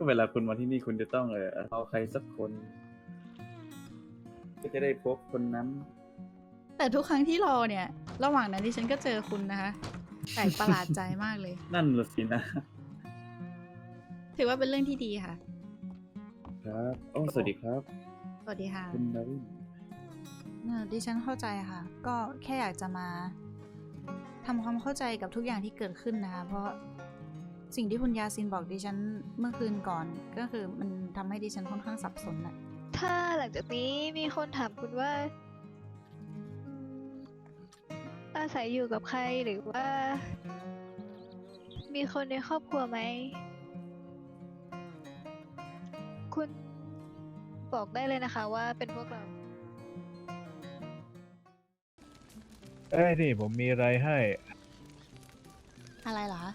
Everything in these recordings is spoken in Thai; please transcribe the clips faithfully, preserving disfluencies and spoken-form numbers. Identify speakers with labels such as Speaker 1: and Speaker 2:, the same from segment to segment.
Speaker 1: ก็เวลาคุณมาที่นี่คุณจะต้องเออเอาใครสักคน ก็จะได้พบคนนั้น
Speaker 2: แต่ทุกครั้งที่รอเนี่ย ระหว่างนั้นดิฉันก็เจอคุณนะคะแปลกประหลาดใจมากเลย
Speaker 1: นั่นละสินะ
Speaker 2: ถือว่าเป็นเรื่องที่ดีค่ะ
Speaker 1: ครับโอ้สวัสดีครับ
Speaker 2: สวัสดีค่ะ
Speaker 1: คุณดาวิน
Speaker 2: เอ่อดิฉันเข้าใจค่ะ ก็แค่อยากจะมาทำความเข้าใจกับทุกอย่างที่เกิดขึ้นนะคะ เพราะสิ่งที่คุณยาซินบอกดิฉันเมื่อคืนก่อน ก็คือมันทำให้ดิฉันค่อนข้างสับสนน่ะ
Speaker 3: ถ้าหลังจากนี้มีคนถามคุณว่าอืมอาศัยอยู่กับใครหรือว่า มีคนในครอบครัวไหม คุณบอกได้เลยนะคะว่าเป็นพวกเรา
Speaker 4: เอ้ยนี่ผมมีอะไรให้
Speaker 2: อะไรเหรอคะ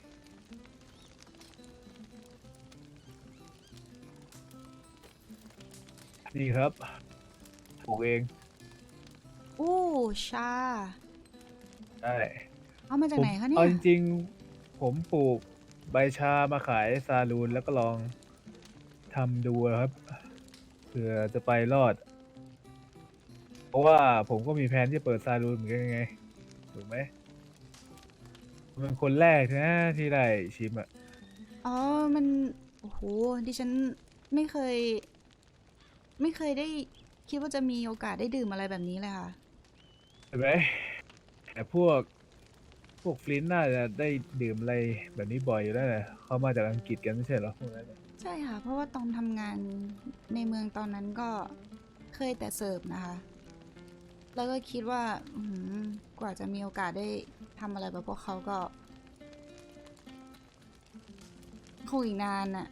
Speaker 4: นี่ครับปลูกเอง
Speaker 2: อู้ชา
Speaker 4: ได้
Speaker 2: เอามาจากไหนคะเนี่
Speaker 4: เอา
Speaker 2: ย
Speaker 4: จริงๆ ผมปลูกใบชามาขายซาลูนแล้วก็ลองทำดูครับเผื่อจะไปรอด เพราะว่าผมก็มีแผนที่จะเปิดซาลูนเหมือนกันไงถูกไหมผมเป็นคนแรกนะที่ได้ชิมอ่ะ
Speaker 2: อ๋อ มัน โอ้โห ดิฉันไม่เคย ไม่เคยได้คิดว่าจะมีโอกาสได้ดื่มอะไรแบบนี้เลยค่ะ
Speaker 4: เห็นไหมแต่พวกพวกฟลินต์น่าจะได้ดื่มอะไรแบบนี้บ่อยอยู่แล้วแหละเขามาจากอังกฤษกันไม่ใช่เหรอพวกนั้นน่ะ
Speaker 2: ใช่ค่ะ เพราะว่าตอนทำงานในเมืองตอนนั้นก็เคยแต่เสิร์ฟนะคะ แล้วก็คิดว่า อืมกว่าจะมีโอกาสได้ทำอะไรแบบพวกเขาก็คงอีกนานน่ะ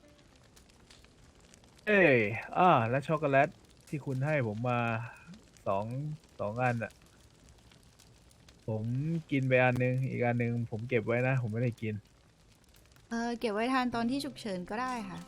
Speaker 4: เอ้ยอ่าแล้วช็อกโกแลตที่คุณให้ผมมาสองสองอันอ่ะ ผมกินไปอันนึง อีกอันนึงผมเก็บไว้นะ ผมไม่ได้กิน
Speaker 2: เออเก็บไว้ทานตอนที่ฉุกเฉินก็ได้ค่ะ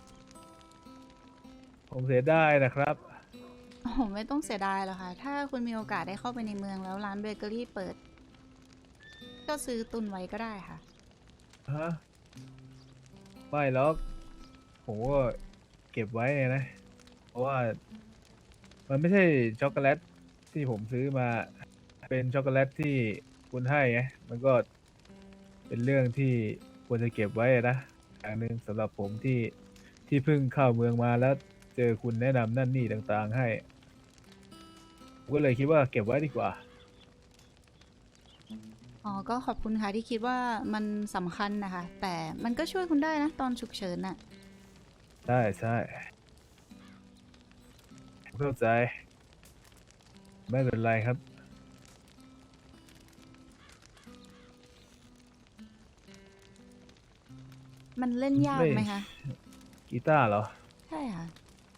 Speaker 4: ผมเสียดายนะครับ
Speaker 2: โอ้โหไม่ต้องเสียดายหรอกค่ะ ถ้าคุณมีโอกาสได้เข้าไปในเมืองแล้วร้านเบเกอรี่เปิด ก็ซื้อตุนไว้ก็ได้ค่ะ
Speaker 4: ฮะ ไม่หรอก ผมก็เก็บไว้ไงนะ เพราะว่า มันไม่ใช่ช็อกโกแลตที่ผมซื้อมา เป็นช็อกโกแลตที่คุณให้ไง มันก็เป็นเรื่องที่ควรจะเก็บไว้อะนะ อย่างหนึ่งสำหรับผมที่ที่เพิ่งเข้าเมืองมาแล้วเจอคุณแนะนำนั่นนี่ต่างๆให้ ผมก็เลยคิดว่าเก็บไว้ดีกว่า
Speaker 2: อ๋อ ก็ขอบคุณค่ะที่คิดว่ามันสำคัญนะคะ แต่มันก็ช่วยคุณได้นะตอนฉุกเฉินน่ะ
Speaker 4: ใช่ใช่ผมเข้าใจ ไม่เป็นไรครับ
Speaker 2: มันเล่นยาก
Speaker 4: ไม่
Speaker 2: ไหมคะ
Speaker 4: กีตาร์เหรอ
Speaker 2: ใช่ค่ะ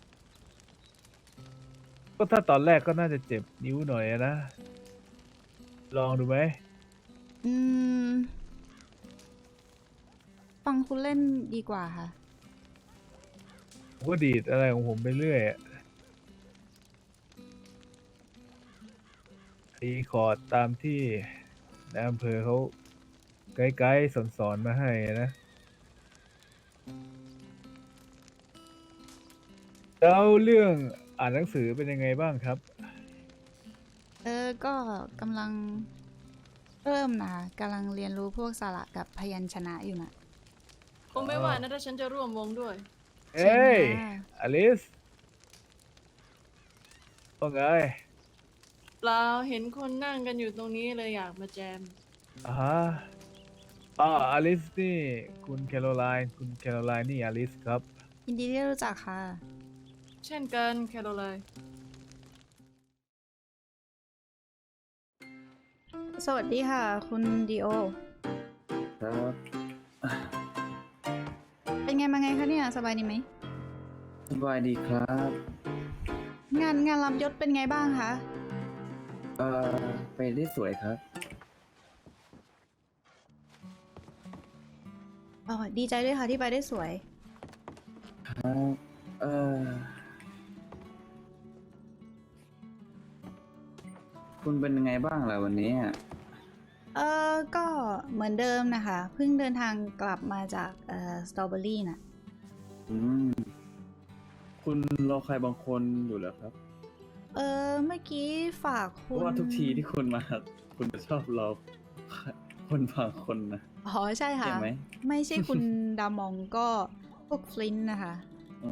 Speaker 4: ก็ถ้าตอนแรกก็น่าจะเจ็บนิ้วหน่อยอะนะ ลองดูไหม
Speaker 2: อืม ฟังคุณเล่นดีกว่าค่ะ
Speaker 4: ผมก็ดีดอะไรของผมไปเรื่อยอะตีคอร์ดตามที่ในอำเภอเขาไกด์ๆสอนๆมาให้อะนะ แล้วเรื่องอ่านหนังสือเป็นยังไงบ้างครับ
Speaker 2: เออ ก็กำลังเริ่มนะคะกำลังเรียนรู้พวกสระกับพยัญชนะอยู่นะ
Speaker 5: คงไม่ว่านะถ้าฉันจะร่วมวงด้วย
Speaker 4: เอ้ย
Speaker 2: ค่ะ
Speaker 4: อลิสว่าไง
Speaker 5: เปล่าเห็นคนนั่งกันอยู่ตรงนี้เลยอยากมาแจม
Speaker 4: อ่าฮะอ่าอลิสนี่คุณแคโรไลน์คุณแคโรไลน์นี่อลิสครับ
Speaker 2: ยินดีที่ได้รู้จักค่ะ
Speaker 5: เช่นกันแคโรไลน์
Speaker 2: สวัสดีค่ะ คุณดีโอ
Speaker 1: ครับ
Speaker 2: เป็นไงมาไงคะเนี่ย สบายดีไหม
Speaker 1: สบายดีครับ
Speaker 2: งานงานรับยศเป็นไงบ้างคะ
Speaker 1: เอ่อ ไปได้สวยครับ
Speaker 2: อ๋อ ดีใจด้วยค่ะที่ไปได้สวย
Speaker 1: ครับ เอ่อ คุณเป็นยังไงบ้างล่ะวันนี้อะ
Speaker 2: เออก็เหมือนเดิมนะคะ เพิ่งเดินทางกลับมาจากเอ่อสตรอเบอรี่น่ะ
Speaker 1: อืม คุณรอใครบางคนอยู่เหรอครับ
Speaker 2: เออเมื่อกี้ฝาก
Speaker 1: เพ
Speaker 2: คุณ
Speaker 1: ราะว่าทุกทีที่คุณมา คุณจะชอบรอคนบางคนนะ
Speaker 2: อ๋อใช่ค่ะ
Speaker 1: ใช่ไหม
Speaker 2: ไม่ใช่คุณ ดามองก็พวกฟลินต์นะคะ
Speaker 1: โอ้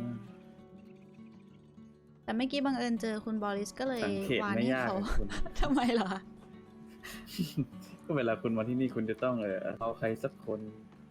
Speaker 2: แต่เมื่อกี้บังเอิญเจอคุณบอริสก็เลย
Speaker 1: สังเกต
Speaker 2: วาน
Speaker 1: ไม่
Speaker 2: ให้
Speaker 1: ยาก
Speaker 2: เขา
Speaker 1: อะคุณ
Speaker 2: ทำไมเหรอคะ
Speaker 1: ก็เวลาคุณมาที่นี่คุณจะต้องเออเอาใครสักคน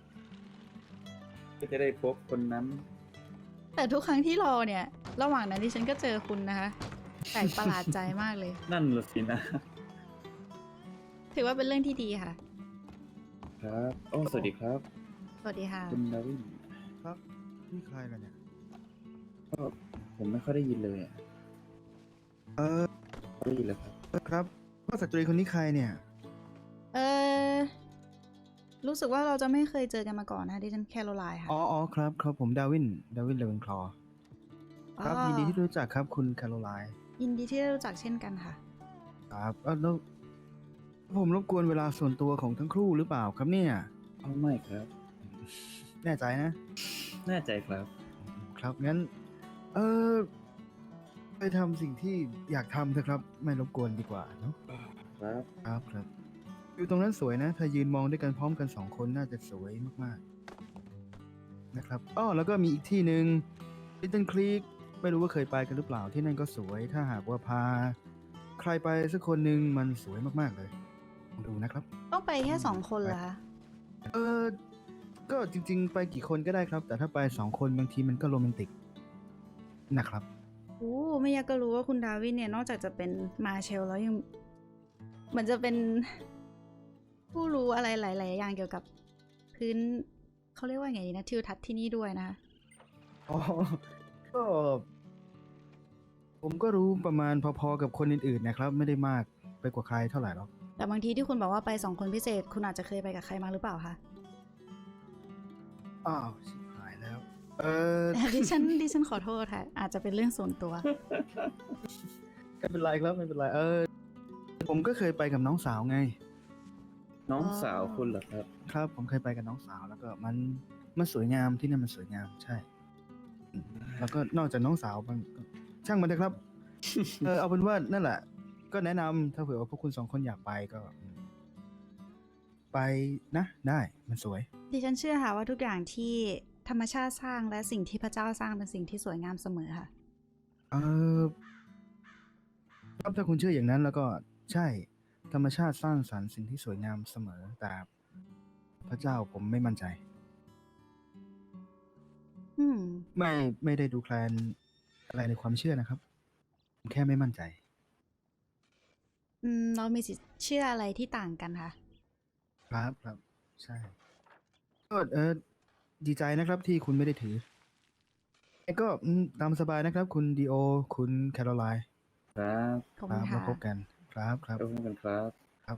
Speaker 1: ก็จะได้พบคนนั้น
Speaker 2: แต่ทุกครั้งที่รอเนี่ย ระหว่างนั้นที่ฉันก็เจอคุณนะคะแปลกประหลาดใจมากเลย
Speaker 1: นั่นละสินะ
Speaker 2: ถือว่าเป็นเรื่องที่ดีค่ะ
Speaker 1: ครับ โอ้ สวัสดีครับ
Speaker 2: สวัสดีค่ะ
Speaker 1: คุณดาวิน
Speaker 6: ครับนี่ใครล่ะเนี่ย
Speaker 1: ก็ผมไม่ค่อยได้ยินเลยอะ
Speaker 6: เออ
Speaker 1: ได้ยินเลยครับ
Speaker 6: ครับว่าสตรีคนนี้ใครเนี่ย
Speaker 2: เออรู้สึกว่าเราจะไม่เคยเจอกันมาก่อนนะคะดิฉันแคโรไลน์ค่ะ
Speaker 6: อ๋ออ๋อครับครับผมดาวิน ดาวินเลเวนคลอว์ครับ
Speaker 2: อ๋อ
Speaker 6: ยินดีที่รู้จักครับคุณแคโรไลน์
Speaker 2: ยินดีที่ได้รู้จักเช่นกันค่ะ
Speaker 6: ครับเอ้าแล้วผมรบกวนเวลาส่วนตัวของทั้งคู่หรือเปล่าครับเนี่ย
Speaker 1: เอาไม่ครับ
Speaker 6: แน่ใจนะ
Speaker 1: แน่ใจครับ
Speaker 6: ครับงั้น เออไปทำสิ่งที่อยากทำเถอะครับ ไม่รบกวนดีกว่าเนาะ
Speaker 1: ครับ
Speaker 6: ครับครับอยู่ตรงนั้นสวยนะ ถ้ายืนมองด้วยกันพร้อมกันสองคนน่าจะสวยมากๆนะครับอ้อแล้วก็มีอีกที่หนึ่งลิตเติ้ลคลีกไม่รู้ว่าเคยไปกันหรือเปล่าที่นั่นก็สวย ถ้าหากว่าพา ใครไปสักคนหนึ่งมันสวยมากๆเลยลองดูนะครับ
Speaker 2: ต้องไปแค่สองคนเหรอคะ
Speaker 6: เออก็จริง ๆ ไปกี่คนก็ได้ครับ แต่ถ้าไปสองคนบางทีมันก็โรแมนติกนะครับ
Speaker 2: โอ้ไม่อยากก็รู้ว่าคุณดาวินเนี่ยนอกจากจะเป็นมาเชลแล้วยังเหมือนจะเป็น ผู้รู้อะไรหลาย ๆ อย่างเกี่ยวกับพื้นเขาเรียกว่าไงดีนะทิวทัศน์ที่นี่ด้วยนะคะ
Speaker 6: อ๋อ ก็ ผมก็รู้ประมาณพอๆกับคนอื่นๆนะครับ ไม่ได้มากไปกว่าใครเท่าไหร่หรอก
Speaker 2: แต่บางทีที่คุณบอกว่าไปสองคนพิเศษ คุณอาจจะเคยไปกับใครมาหรือเปล่าคะ
Speaker 6: อ้าวชิบหายแล้ว เออ
Speaker 2: ดิฉันดิฉันขอโทษค่ะ อาจจะเป็นเรื่องส่วนตัว
Speaker 6: ไม่เป็นไรครับไม่เป็นไรเออ ผมก็เคยไปกับน้องสาวไง
Speaker 1: น้อง
Speaker 2: อ๋อ
Speaker 1: สาวคุณเหรอครับ
Speaker 6: ครับ ผมเคยไปกับน้องสาวแล้วก็มันมันสวยงามที่นั่นมันสวยงามใช่อืมแล้วก็นอกจากน้องสาวมันก็ช่างมันเถอะครับ เออเอาเป็นว่านั่นแหละ ก็แนะนำถ้าเผื่อว่าพวกคุณสองคนอยากไปก็อืมไปนะได้มันสวย
Speaker 2: ดิฉันเชื่อค่ะว่าทุกอย่างที่ธรรมชาติสร้างและสิ่งที่พระเจ้าสร้างเป็นสิ่งที่สวยงามเสมอค่ะ
Speaker 6: เออครับถ้าคุณเชื่ออย่างนั้นแล้วก็ใช่ธรรมชาติสร้างสรรค์สิ่งที่สวยงามเสมอ แต่พระเจ้าผมไม่มั่นใจ
Speaker 2: อืม
Speaker 6: ไม่ไม่ได้ดูแคลนอะไรในความเชื่อนะครับ ผมแค่ไม่มั่นใจ
Speaker 2: อืม เรามีสิทธิ์เชื่ออะไรที่ต่างกันค่ะ
Speaker 6: ครับครับ ใช่ก็เออดีใจนะครับที่คุณไม่ได้ถือแล้วก็อืมตามสบายนะครับ คุณดีโอ คุณแคโรไลน์
Speaker 1: ครับ
Speaker 2: ขอบ
Speaker 6: ค
Speaker 2: คุ
Speaker 6: รั
Speaker 2: ณ
Speaker 6: บ
Speaker 2: ค่ะ
Speaker 6: มาพบกันครับครับ
Speaker 1: ขอบคุณครับ
Speaker 6: ครับ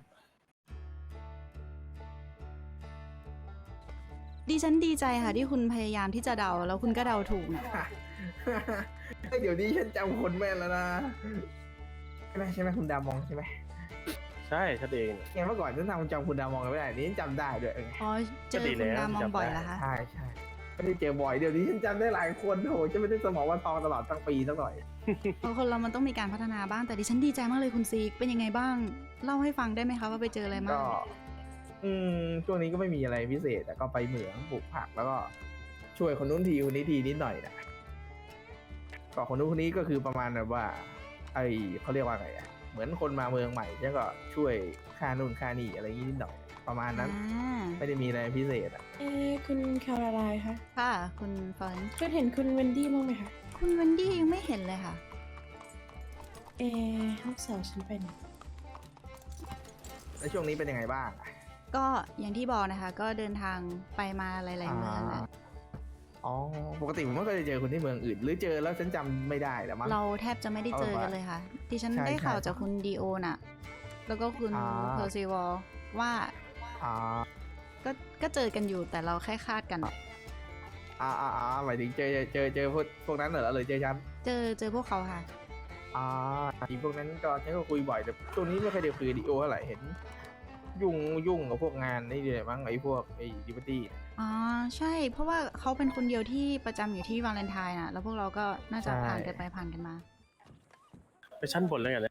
Speaker 2: ดิฉันดีใจค่ะที่คุณพยายามที่จะเดาแล้วคุณก็เดาถูกนะ
Speaker 7: เฮ้ยเดี๋ยวนี้ฉันจำคนแม่นแล้วนะใช่ไหมใช่ไหมคุณดามองใช่ไหม
Speaker 8: ใช่ฉันเอง
Speaker 7: เนี่ยเมื่อก่อนฉันทำจำคุณดามองกันไม่ได้นี่ฉันจำได้ด้วยเออ
Speaker 2: อ๋อ เจอ
Speaker 8: ก็ดี
Speaker 2: คุณ
Speaker 8: แล้ว
Speaker 2: ดามอง
Speaker 8: จำได้
Speaker 2: บ่อยแล้วคะ
Speaker 7: ใช่ใช่ไม่ได้เจอบ่อยเดี๋ยวนี้ฉันจำได้หลายคนโหจะไม่ได้สมองวันทองตลอดทั้งปีสักหน่อย
Speaker 2: เพราะคนเรามันต้องมีการพัฒนาบ้าง แต่ดิฉันดีใจมากเลยคุณซีกเป็นยังไงบ้าง เล่าให้ฟังได้ไหมคะว่าไปเจออะไรมา
Speaker 7: ก็
Speaker 2: ง
Speaker 7: อืมช่วงนี้ก็ไม่มีอะไรพิเศษแต่ก็ไปเหมืองปลูกผักแล้วก็ช่วยคนนู้นทีคนนี้ทีนิดหน่อยนะก็คนนู้นคนนี้ก็คือประมาณแบบว่า ไอเขาเรียกว่าไงอะเหมือนคนมาเมืองใหม่แล้วก็ช่วยค่านู่นค่านี่อะไรอย่างนี้นิดหน่อย ประมาณนั้น
Speaker 2: อ่า
Speaker 7: ไม่ได้มีอะไรพิเศษอะ
Speaker 5: เอ้คุณแคโรไลน์คะ
Speaker 2: ค่ะ คุณฟลอเรนซ์
Speaker 5: คุณเห็นคุณเวนดี้บ้างไหมคะ
Speaker 2: คุณเวนดี้ยังไม่เห็นเลยค่ะ
Speaker 5: เอลูกสาวฉันไปไหน
Speaker 7: แล้วช่วงนี้เป็นยังไงบ้างอะ
Speaker 2: ก็อย่างที่บอกนะคะ ก็เดินทางไปมาหลาย ๆ เมืองแหละ
Speaker 7: อ๋อ ปกติผมไม่เคยเจอคนที่เมืองอื่น หรือเจอแล้วฉันจำไม่ได้แล้วมั้ง
Speaker 2: เราแทบจะไม่ได้เจอกันเลยค่ะ ดิฉัน
Speaker 7: ใช่
Speaker 2: ได้ข่าว
Speaker 7: ใช่
Speaker 2: จากคุณดีโอน่ะ แล้วก็คุณ
Speaker 7: อ่า
Speaker 2: เพอร์ซิวอลว่า
Speaker 7: อ่า
Speaker 2: ก็ก็เจอกันอยู่แต่เราแค่คาดกัน
Speaker 7: อ่าอ่าอ่าหมายถึงเจอเจอเจอพวกพวกนั้นเหรอหรือเจอฉัน
Speaker 2: เจอเจอพวกเขาค่ะ
Speaker 7: อ่าทีพวกนั้นก็ฉันก็คุยบ่อยแต่ช่วงนี้ไม่เคยได้คุยกับดีโอเท่าไหร่เห็น ยุ่งยุ่งกับพวกงานนี่เลยมั้งไอ้พวกไอ้ดิบัตตี้
Speaker 2: อ๋อใช่ เพราะว่าเขาเป็นคนเดียวที่ประจำอยู่ที่วาเลนไทน์น่ะ แล้วพวกเราก็น่าจะ
Speaker 7: ใช่
Speaker 2: ผ่านกันไปผ่านกันมา
Speaker 8: ไปชั้นบนแล้วกันนะ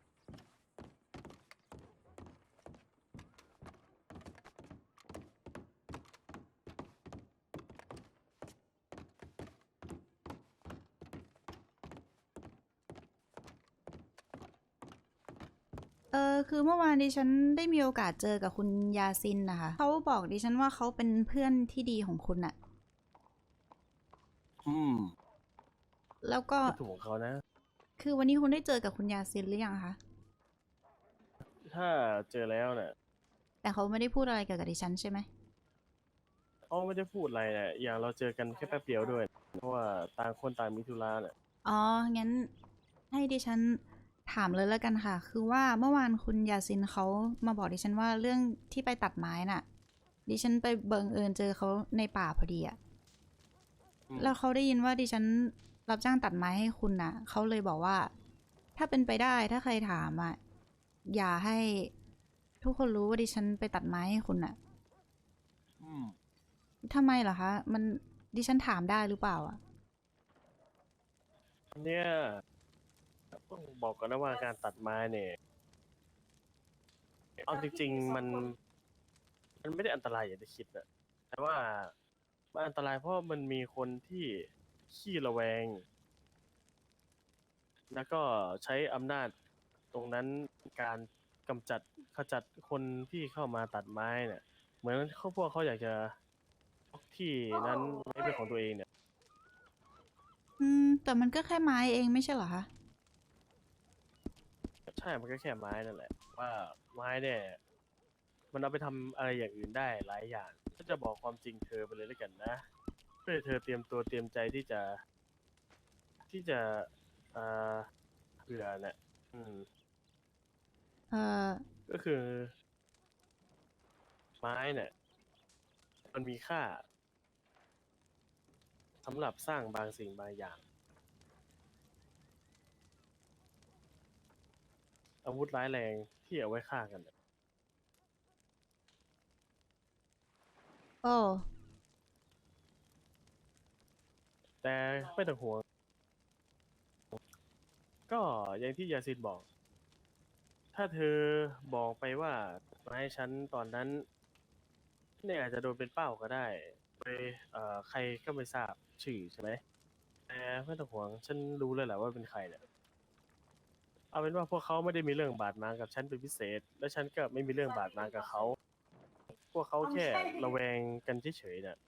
Speaker 2: เออคือเมื่อวานดิฉันได้มีโอกาสเจอกับคุณยาซินนะคะเขาบอกดิฉันว่าเขาเป็นเพื่อนที่ดีของคุณอะ
Speaker 8: อืม
Speaker 2: แล้วก็
Speaker 8: ก็ถูกของเขานะ
Speaker 2: คือวันนี้คุณได้เจอกับคุณยาซินหรือยังคะ
Speaker 8: ถ้าเจอแล้วเนี่ย
Speaker 2: แต่เขาไม่ได้พูดอะไรเกี่ยวกับดิฉันใช่ไหม
Speaker 8: เขาไม่ได้พูดอะไรเนี่ยอย่างเราเจอกันแค่แป๊บเดียวด้วย เพราะว่าต่างคนต่างมีธุระเนี่ย
Speaker 2: อ๋อ งั้นให้ดิฉันถามเลยแล้วกันค่ะ คือว่าเมื่อวานคุณยาซินเขามาบอกดิฉันว่าเรื่องที่ไปตัดไม้น่ะ ดิฉันไปบังเอิญเจอเขาในป่าพอดีอะ
Speaker 8: อืม
Speaker 2: แล้วเขาได้ยินว่าดิฉันรับจ้างตัดไม้ให้คุณน่ะ เขาเลยบอกว่า ถ้าเป็นไปได้ถ้าใครถามอ่ะ อย่าให้ทุกคนรู้ว่าดิฉันไปตัดไม้ให้คุณน่ะ
Speaker 8: อืม
Speaker 2: ทำไมเหรอคะ มันดิฉันถามได้หรือเปล่าอ่ะ
Speaker 8: เนี่ยต้องบอกก่อนนะว่าการตัดไม้เนี่ย เอาจริงๆมัน มันไม่ได้อันตรายอย่างที่คิดนะแต่ว่ามันอันตรายเพราะมันมีคนที่ขี้ระแวง แล้วก็ใช้อำนาจตรงนั้นการกำจัดขจัดคนที่เข้ามาตัดไม้เนี่ย เหมือนเขาพวกเขาอยากจะยกที่นั้นไว้เป็นของตัวเองเนี่ย
Speaker 2: อืม แต่มันก็แค่ไม้เองไม่ใช่เหรอคะ
Speaker 8: ใช่ มันก็แค่ไม้นั่นแหละ ว่าไม้เนี่ย มันเอาไปทำอะไรอย่างอื่นได้หลายอย่างก็จะบอกความจริงเธอไปเลยแล้วกันนะ เพื่อให้เธอเตรียมตัวเตรียมใจที่จะ ที่จะเอ่อเผื่อเนี่ยอืม
Speaker 2: เอ่อ
Speaker 8: ก็คือ ไม้เนี่ย มันมีค่าสำหรับสร้างบางสิ่งบางอย่าง อาวุธร้ายแรงที่เอาไว้ฆ่ากันเนี่ย
Speaker 2: โอ้
Speaker 8: แต่ไม่ต้องห่วง ก็อย่างที่ยาซินบอก ถ้าเธอบอกไปว่ามาให้ฉันตอนนั้น เนี่ยอาจจะโดนเป็นเป้าก็ได้ไปเอ่อใครก็ไม่ทราบชื่อใช่ไหมแต่ไม่ต้องห่วงฉันรู้เลยแหละว่าเป็นใครเนี่ยเอาเป็นว่าพวกเขาไม่ได้มีเรื่องบาดหมางกับฉันเป็นพิเศษ และฉันก็ไม่มีเรื่องบาดหมางกับเขา พวกเขาแค่ระแวงกันเฉยๆเนี่ย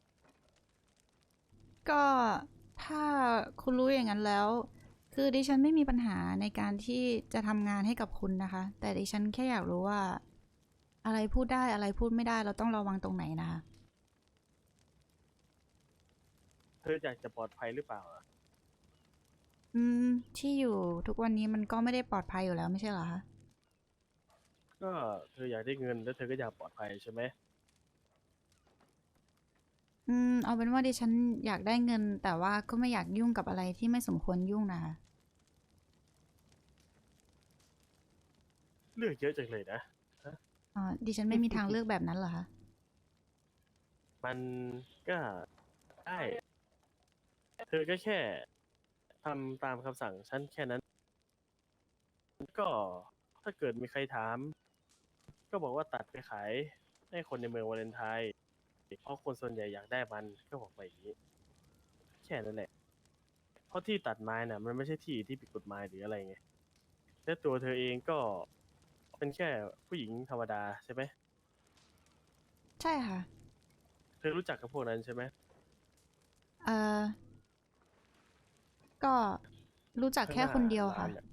Speaker 2: ก็ถ้าคุณรู้อย่างนั้นแล้ว คือดิฉันไม่มีปัญหาในการที่จะทำงานให้กับคุณนะคะ แต่ดิฉันแค่อยากรู้ว่า อะไรพูดได้อะไรพูดไม่ได้เราต้องระวังตรงไหนนะคะ
Speaker 8: เธออยากจะปลอดภัยหรือเปล่าอะ
Speaker 2: อืม ที่อยู่ทุกวันนี้มันก็ไม่ได้ปลอดภัยอยู่แล้วไม่ใช่เหรอคะ
Speaker 8: ก็เธออยากได้เงินแล้วเธอก็อยากปลอดภัยใช่ไหม
Speaker 2: อืม เอาเป็นว่าดิฉันอยากได้เงิน แต่ว่าก็ไม่อยากยุ่งกับอะไรที่ไม่สมควรยุ่งนะคะ
Speaker 8: เลือกเยอะจังเลยนะ
Speaker 2: อ๋อ ดิฉันไม่มีทางเลือกแบบนั้นเหรอคะ
Speaker 8: มันก็ได้ เธอก็แค่ทำตามคำสั่งฉันแค่นั้น ก็ถ้าเกิดมีใครถาม ก็บอกว่าตัดไปขายให้คนในเมืองวาเลนไทน์เพราะคนส่วนใหญ่อยากได้มันก็บอกไปอย่างนี้ แค่นั้นแหละ เพราะที่ตัดไม้น่ะ มันไม่ใช่ที่ที่ผิดกฎหมายหรืออะไรไงและตัวเธอเองก็เป็นแค่ผู้หญิงธรรมดาใช่ไหม
Speaker 2: ใช่ค่ะ
Speaker 8: เธอรู้จักกับพวกนั้นใช่ไหม
Speaker 2: เอ่อ ก็รู้จักแค่คนเดียวค่ะ
Speaker 8: ข้างหน้าร้านน่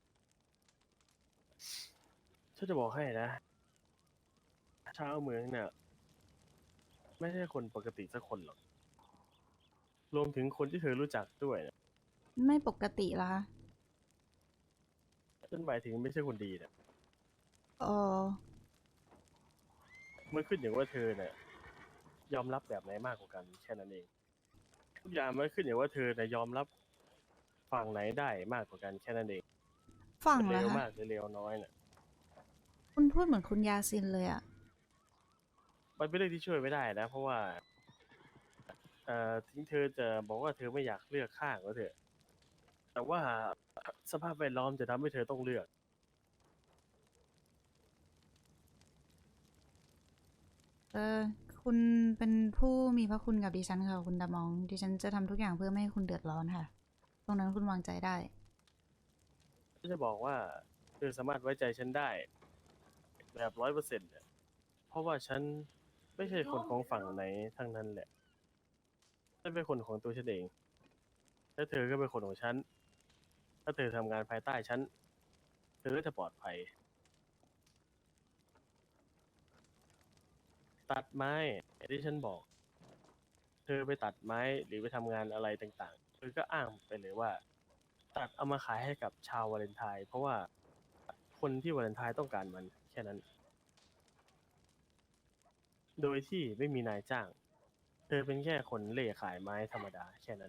Speaker 8: ฉันจะบอกให้นะ ชาวเมืองเนี่ย ไม่ใช่คนปกติสักคนหรอก รวมถึงคนที่เธอรู้จักด้วยนะ
Speaker 2: ไม่ปกติเหรอคะ
Speaker 8: ฉันหมายถึงไม่ใช่คนดีเนี่ย
Speaker 2: เออ
Speaker 8: มันขึ้นอย่างว่าเธอเนี่ยยอมรับแบบไหนมากกว่ากันแค่นั้นเอง ทุกอย่างมันขึ้นอย่างว่าเธอเนี่ยยอมรับฝั่งไหนได้มากกว่ากันแค่นั้นเอง
Speaker 2: ฝั่ง
Speaker 8: จะ
Speaker 2: เหร
Speaker 8: เร็
Speaker 2: อ
Speaker 8: ว
Speaker 2: คะ
Speaker 8: มากหรือเร็วน้อยเนี่ย
Speaker 2: คุณพูดเหมือนคุณยาซินเลยอะ
Speaker 8: มันเป็นเรื่องที่ช่วยไม่ได้นะ เพราะว่าเอ่อถึงเธอจะบอกว่าเธอไม่อยากเลือกข้างก็เถอะ แต่ว่าสภาพแวดล้อมจะทำให้เธอต้องเลือก
Speaker 2: เออคุณเป็นผู้มีพระคุณกับดิฉันค่ะคุณดามอง ดิฉันจะทำทุกอย่างเพื่อไม่ให้คุณเดือดร้อนค่ะ ตรงนั้นคุณวางใจได้
Speaker 8: ฉันจะบอกว่าเธอสามารถไว้ใจฉันได้แบบร้อยเปอร์เซ็นต์เนี่ยเพราะว่าฉันไม่ใช่คนของฝั่งไหนทั้งนั้นแหละฉันเป็นคนของตัวฉันเอง และเธอก็เป็นคนของฉัน ถ้าเธอทำงานภายใต้ฉัน เธอก็จะปลอดภัย ตัดไม้อย่างที่ฉันบอก เธอไปตัดไม้หรือไปทำงานอะไรต่างๆ เธอก็อ้างไปเลยว่า ตัดเอามาขายให้กับชาววาเลนไทน์เพราะว่าคนที่วาเลนไทน์ต้องการมันแค่นั้น โดยที่ไม่มีนายจ้าง เธอเป็นแค่คนเล่ขายไม้ธรรมดาแค่นั้น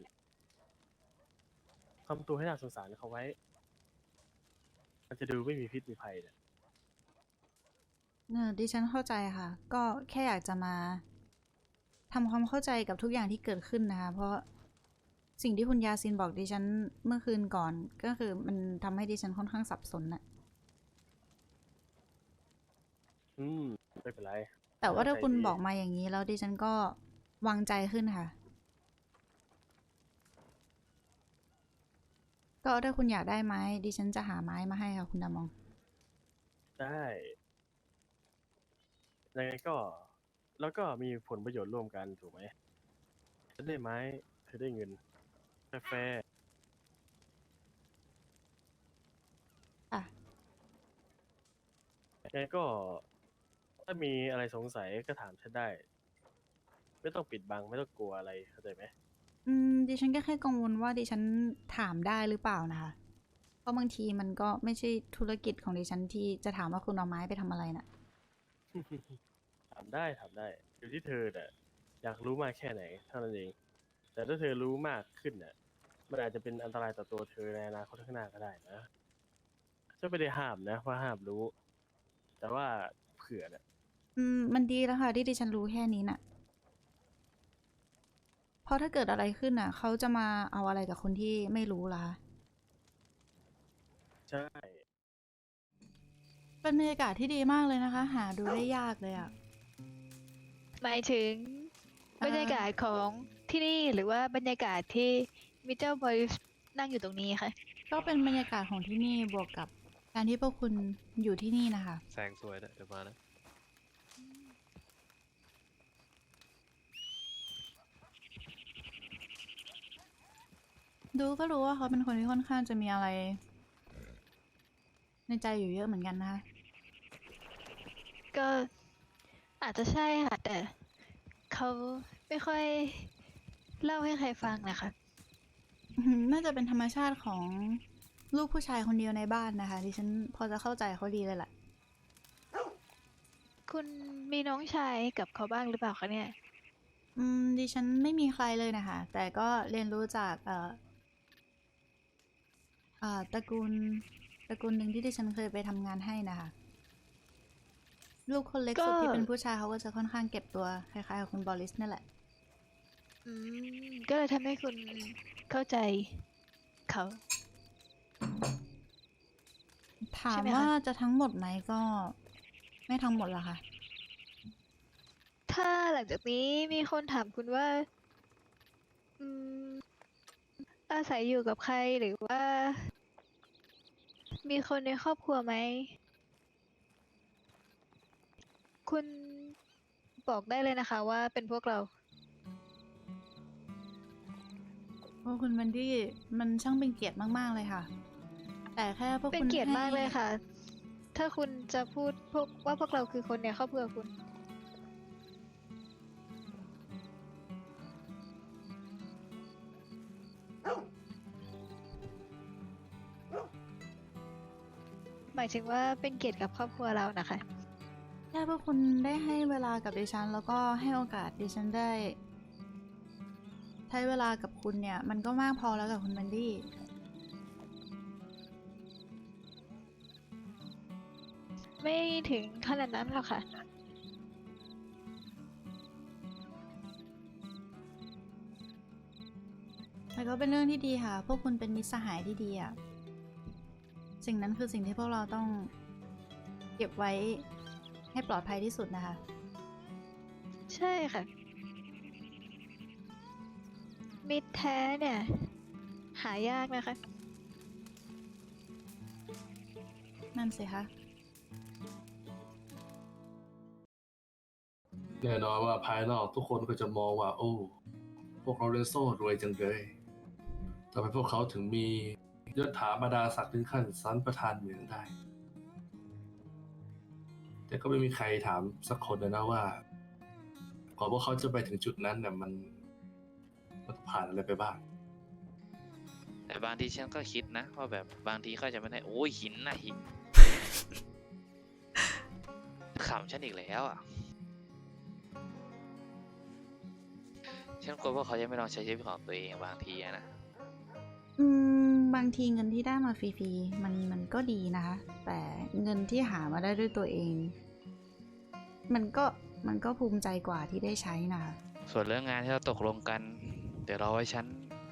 Speaker 8: ทำตัวให้น่าสงสารเขาไว้ มันจะดูไม่มีพิษมีภัยเนี่ย
Speaker 2: เออดิฉันเข้าใจค่ะ ก็แค่อยากจะมาทำความเข้าใจกับทุกอย่างที่เกิดขึ้นนะคะ เพราะสิ่งที่คุณยาซินบอกดิฉันเมื่อคืนก่อน ก็คือมันทำให้ดิฉันค่อนข้างสับสนน่ะ
Speaker 8: อืม ไม่เป็นไร
Speaker 2: แต่ว่าถ้าคุณ
Speaker 8: ใจดี
Speaker 2: บอกมาอย่างนี้แล้วดิฉันก็วางใจขึ้นค่ะ ก็ถ้าคุณอยากได้ไม้ดิฉันจะหาไม้มาให้ค่ะคุณดามอง
Speaker 8: ได้ยังไงก็แล้วก็มีผลประโยชน์ร่วมกันถูกไหมฉันได้ไม้เธอได้เงินแฟร์
Speaker 2: อ่ะ
Speaker 8: ๆยังไงก็ถ้ามีอะไรสงสัยก็ถามฉันได้ ไม่ต้องปิดบังไม่ต้องกลัวอะไรเข้าใจไหม
Speaker 2: อืมดิฉันก็แค่กังวลว่าดิฉันถามได้หรือเปล่านะคะ เพราะบางทีมันก็ไม่ใช่ธุรกิจของดิฉันที่จะถามว่าคุณเอาไม้ไปทำอะไรน่ะ
Speaker 8: ถามได้ถามได้อยู่ที่เธอน่ะอยากรู้มากแค่ไหนเท่านั้นเอง แต่ถ้าเธอรู้มากขึ้นน่ะมันอาจจะเป็นอันตรายต่อตัวเธอในอนาคตข้างหน้าก็ได้นะจะไม่ได้ห้ามนะว่าห้ามรู้ แต่ว่าเผื่อน่ะ
Speaker 2: อืมมันดีแล้วค่ะที่ดิฉันรู้แค่นี้น่ะ เพราะถ้าเกิดอะไรขึ้นน่ะ เขาจะมาเอาอะไรกับคนที่ไม่รู้ล่ะคะ
Speaker 8: ใช่
Speaker 2: เป็นบรรยากาศที่ดีมากเลยนะคะ หาดูได้ยากเลยอ่ะ
Speaker 3: หมายถึง
Speaker 2: อ่า
Speaker 3: บรรยากาศของที่นี่หรือว่าบรรยากาศที่มิเจ้าบอยนั่งอยู่ตรงนี้ค่ะ
Speaker 2: ก็เป็นบรรยากาศของที่นี่บวกกับการที่พวกคุณอยู่ที่นี่นะคะ
Speaker 9: แซงสวยนะเดี๋ยวมานะ
Speaker 2: ดูก็รู้ว่าเขาเป็นคนที่ค่อนข้างจะมีอะไร ในใจอยู่เยอะเหมือนกันนะคะ
Speaker 3: ก็อาจจะใช่ค่ะ แต่เขาไม่ค่อยเล่าให้ใครฟังนะคะ
Speaker 2: อืมน่าจะเป็นธรรมชาติของลูกผู้ชายคนเดียวในบ้านนะคะดิฉันพอจะเข้าใจเขาดีเลยแหละ
Speaker 3: คุณมีน้องชายกับเขาบ้างหรือเปล่าคะเนี่ย
Speaker 2: อืมดิฉันไม่มีใครเลยนะคะ แต่ก็เรียนรู้จากเอ่อเอ่อตระกูลตระกูลหนึ่งที่ดิฉันเคยไปทำงานให้นะคะ ลูกคนเล็กสุด
Speaker 3: ก็
Speaker 2: ที่เป็นผู้ชายเขาก็จะค่อนข้างเก็บตัวคล้ายๆกับคุณบอริสนั่นแหละ
Speaker 3: อืมก็เลยทำให้คุณเข้าใจเขา
Speaker 2: ถา
Speaker 3: ใช่
Speaker 2: ม
Speaker 3: ไหมคะ
Speaker 2: ว่าจะทั้งหมดไหมก็ไม่ทั้งหมดละค่ะ
Speaker 3: ถ้าหลังจากนี้มีคนถามคุณว่าอืมอาศัยอยู่กับใครหรือว่า มีคนในครอบครัวไหม คุณบอกได้เลยนะคะว่าเป็นพวกเรา
Speaker 2: พวกคุณแมนดี้มันช่างเป็นเกียรติมาก ๆ เลยค่ะ แต่แค่พวก
Speaker 3: เป็น
Speaker 2: คุณ
Speaker 3: เกียรติ
Speaker 2: ให้
Speaker 3: มากเลยค่ะ ถ้าคุณจะพูดพวกว่าพวกเราคือคนในครอบครัวคุณ หมายถึงว่าเป็นเกียรติกับครอบครัวเรานะคะ
Speaker 2: แค่พวกคุณได้ให้เวลากับดิฉัน แล้วก็ให้โอกาสดิฉันได้ ใช้เวลากับคุณเนี่ย มันก็มากพอแล้วกับคุณแมนดี้
Speaker 3: ไม่ถึงขนาดนั้นหรอกค่ะ
Speaker 2: แต่ก็เป็นเรื่องที่ดีค่ะ พวกคุณเป็นมิตรสหายที่ดีอะสิ่งนั้นคือสิ่งที่พวกเราต้องเก็บไว้ให้ปลอดภัยที่สุดนะคะ
Speaker 3: ใช่ค่ะ มิตรแท้เนี่ย หายากนะคะ
Speaker 2: นั่นสิคะ
Speaker 9: แน่นอนว่าภายนอกทุกคนก็จะมองว่า โอ้ พวกเราเลโซ่รวยจังเลยทำไมพวกเขาถึงมียศถาบรรดาศักดิ์ถึงขั้นสันประธานเหมืองได้ แต่ก็ไม่มีใครถามสักคนเลยนะว่าก่อนพวกเขาจะไปถึงจุดนั้นเนี่ยมันมันผ่านอะไรไปบ้าง
Speaker 10: แต่บางทีฉันก็คิดนะว่าแบบบางทีเขาจะไม่ได้โอ้ยหินนะหิน ขำฉันอีกแล้วอ่ะ ฉันกลัวว่าเขาจะไม่ลองใช้ชีวิตของตัวเองบางทีอะนะ
Speaker 2: อืม บางทีเงินที่ได้มาฟรีๆ มันมันก็ดีนะคะ แต่เงินที่หามาได้ด้วยตัวเอง มันก็มันก็ภูมิใจกว่าที่ได้ใช้นะคะ
Speaker 10: ส่วนเรื่องงานที่เราตกลงกัน เดี๋ยวรอไว้ฉัน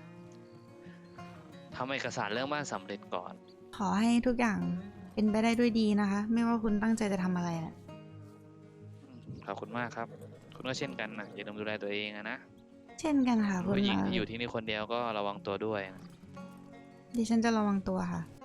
Speaker 10: ทำเอกสารเรื่องบ้านสำเร็จก่อน
Speaker 2: ขอให้ทุกอย่างเป็นไปได้ด้วยดีนะคะ ไม่ว่าคุณตั้งใจจะทำอะไรแหละ
Speaker 10: อืมขอบคุณมากครับ คุณก็เช่นกันนะอย่าลืมดูแลตัวเองอะนะ
Speaker 2: เช่นกันค่ะคุณ
Speaker 10: ผู้หญิง
Speaker 2: มา
Speaker 10: ที่อยู่ที่นี่คนเดียวก็ระวังตัวด้วยนะ
Speaker 2: ดิฉันจะระวังตัวค่ะ